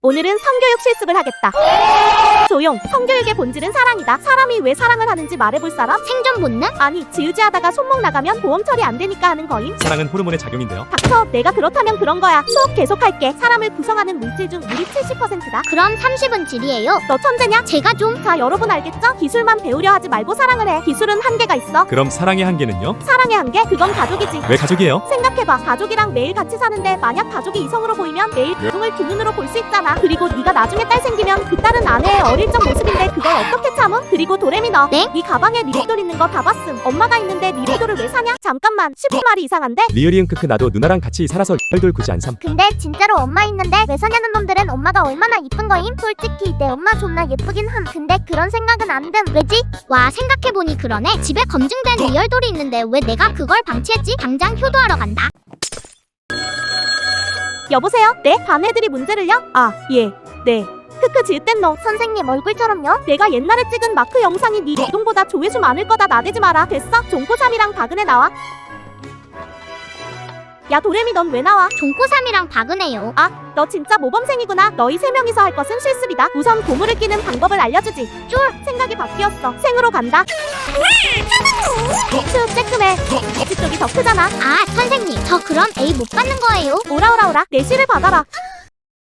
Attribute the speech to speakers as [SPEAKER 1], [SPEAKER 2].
[SPEAKER 1] 오늘은 성교육 실습을 하겠다. 조용. 성교육의 본질은 사랑이다. 사람이 왜 사랑을 하는지 말해볼 사람?
[SPEAKER 2] 생존 본능?
[SPEAKER 1] 아니, 지우지하다가 손목 나가면 보험 처리 안 되니까 하는 거임.
[SPEAKER 3] 사랑은 호르몬의 작용인데요.
[SPEAKER 1] 닥쳐. 내가 그렇다면 그런 거야. 수업 계속할게. 사람을 구성하는 물질 중 물이 70%다.
[SPEAKER 2] 그럼 30은 질이에요.
[SPEAKER 1] 너 천재냐?
[SPEAKER 2] 제가 좀
[SPEAKER 1] 자, 여러분 알겠죠? 기술만 배우려 하지 말고 사랑을 해. 기술은 한계가 있어.
[SPEAKER 3] 그럼 사랑의 한계는요?
[SPEAKER 1] 사랑의 한계? 그건 가족이지.
[SPEAKER 3] 왜 가족이에요?
[SPEAKER 1] 생각해봐. 가족이랑 매일 같이 사는데 만약 가족이 이성으로 보이면 매일 가족을 두 눈으로 볼 수 있잖아. 그리고 네가 나중에 딸 생기면 그 딸은 아내의 어릴 적 모습인데 그걸 어떻게 참음? 그리고 도레미 너.
[SPEAKER 2] 네?
[SPEAKER 1] 네 가방에 리리돌 있는 거 다 봤음. 엄마가 있는데 리리돌을 왜 사냐? 잠깐만. 10분말이 이상한데?
[SPEAKER 3] 리을이응 크크 나도 누나랑 같이 살아서 혈돌 굳이 안 삼.
[SPEAKER 2] 근데 진짜로 엄마 있는데 왜 사냐는 놈들은 엄마가 얼마나 이쁜 거임? 솔직히 내 엄마 존나 예쁘긴 함. 근데 그런 생각은 안 듦. 왜지? 와 생각해보니 그러네. 집에 검증된 리얼돌이 있는데 왜 내가 그걸 방치했지? 당장 효도하러 간다.
[SPEAKER 1] 여보세요? 네? 반 애들이 문제를요? 아, 예. 네. 크크 지읒된 너.
[SPEAKER 2] 선생님 얼굴처럼요?
[SPEAKER 1] 내가 옛날에 찍은 마크 영상이 네 이동보다 조회수 많을 거다. 나대지 마라. 됐어? 종코3이랑 박은혜 나와. 야 도레미 넌 왜 나와?
[SPEAKER 2] 종코3이랑 박은혜요.
[SPEAKER 1] 아, 너 진짜 모범생이구나. 너희 세 명이서 할 것은 실습이다. 우선 고무를 끼는 방법을 알려주지. 쫄! 생각이 바뀌었어. 생으로 간다. 슈, 쬐끔해. 이쪽 쪽이 더 크잖아.
[SPEAKER 2] 아 선생님 저 그럼 A 못 받는 거예요?
[SPEAKER 1] 오라 내시를 받아라.